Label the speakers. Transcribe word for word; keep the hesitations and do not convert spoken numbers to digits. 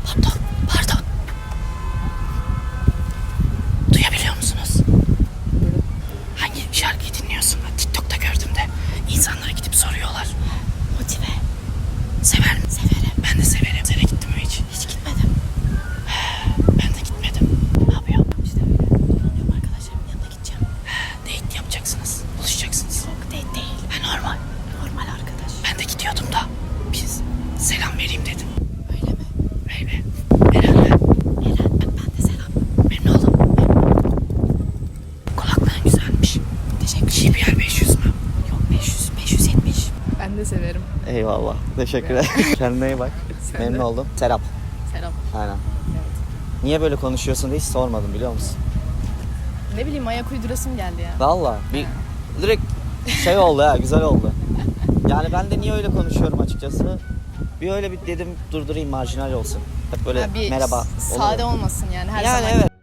Speaker 1: Pardon, pardon. Duyabiliyor musunuz? Hangi şarkıyı dinliyorsun? TikTok'ta gördüm de. İnsanlara gidip soruyorlar. Motive. Sever mi? Severim. Ben de severim. Sen de gittin mi hiç? Hiç gitmedim. He, ben de gitmedim. Ne yapıyorsun? İşte öyle. Dolanıyorum arkadaşlarımın yanına gideceğim. He, date yapacaksınız. Buluşacaksınız. Yok date değil. Ha, normal. Normal arkadaş. Ben de gidiyordum da. Biz selam vereyim dedim. Öyle mi? Öyle. Eren ben. Eren ben, ben de selam. Memnun oldum. Kulaklığın güzelmiş. Teşekkür ederim. J B R beş yüz mü? Yok beş yüz. beş yüz yetmiş.
Speaker 2: Ben de severim.
Speaker 3: Eyvallah. Teşekkür ederim. Kendine iyi bak.
Speaker 2: Sen
Speaker 3: Memnun
Speaker 2: de.
Speaker 3: oldum. Serap.
Speaker 2: Selam.
Speaker 3: Aynen.
Speaker 2: Evet.
Speaker 3: Niye böyle konuşuyorsun diye hiç sormadım biliyor musun?
Speaker 2: Ne bileyim ayak uydurasım geldi ya.
Speaker 3: Valla bir direkt şey oldu ha, güzel oldu. Yani ben de niye öyle konuşuyorum açıkçası. Bir öyle bir dedim durdurayım marjinal olsun. Hep böyle
Speaker 2: Ha, bir
Speaker 3: merhaba.
Speaker 2: sade
Speaker 3: olur.
Speaker 2: olmasın yani her
Speaker 3: Yani
Speaker 2: zaman.
Speaker 3: evet.